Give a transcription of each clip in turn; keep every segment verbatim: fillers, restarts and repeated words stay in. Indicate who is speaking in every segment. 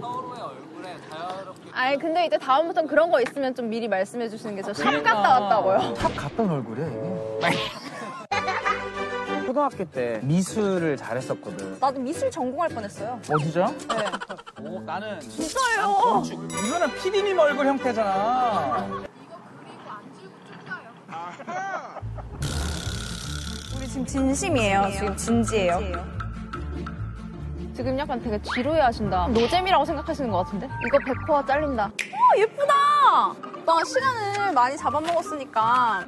Speaker 1: 서로의 얼굴에 자유롭게.
Speaker 2: 아니 근데 이제 다음부터는 그런 거 있으면 좀 미리 말씀해 주시는 게 저 샵 갔다 왔다고요.
Speaker 3: 탑 갔던 얼굴이야 이게. 초등학교 때 미술을 잘했었거든.
Speaker 2: 나도 미술 전공할 뻔했어요.
Speaker 3: 어 진짜?
Speaker 2: 네.
Speaker 3: 오 나는
Speaker 2: 진짜예요.
Speaker 3: 이거는 피디님 얼굴 형태잖아.
Speaker 2: 우리 지금 진심이에요. 지금 진지해요. 지금 약간 되게 지루해 하신다. 노잼이라고 생각하시는 것 같은데? 이거 백 호화 잘린다. 오, 예쁘다! 나 시간을 많이 잡아먹었으니까.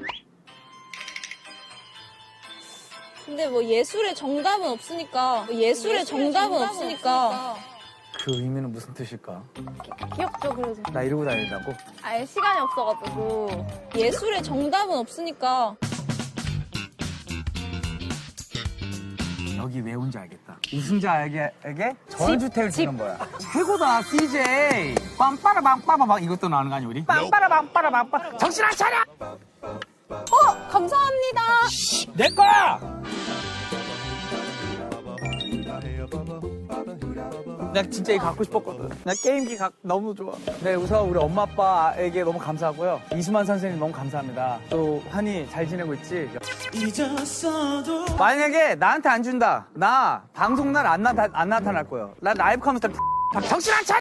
Speaker 2: 근데 뭐 예술의 정답은 없으니까. 뭐 예술의, 정답은, 없으니까.
Speaker 3: 그 의미는 무슨 뜻일까?
Speaker 2: 귀엽죠, 그래도.
Speaker 3: 나 이러고 다닌다고?
Speaker 2: 아예 시간이 없어가지고. 예술의 정답은 없으니까.
Speaker 3: 여기 왜 온지 알겠다. 우승자에게 전주택을 주는 거야. 최고다, 씨제이. 빰빠라밤빠바방 이것도 나오는 거 아니야, 우리? 빰빠라밤빠라밤빠. 정신 안 차려!
Speaker 2: 어, 감사합니다.
Speaker 3: 내 거야! 나 진짜 이거 갖고 싶었거든. 나 게임기 가, 너무 좋아. 네, 우선 우리 엄마 아빠에게 너무 감사하고요. 이수만 선생님 너무 감사합니다. 또 환희 잘 지내고 있지? 만약에 나한테 안 준다. 나 방송 날 안 나타, 안 나타날 거예요. 나 라이브 커머스 정신 안 차려!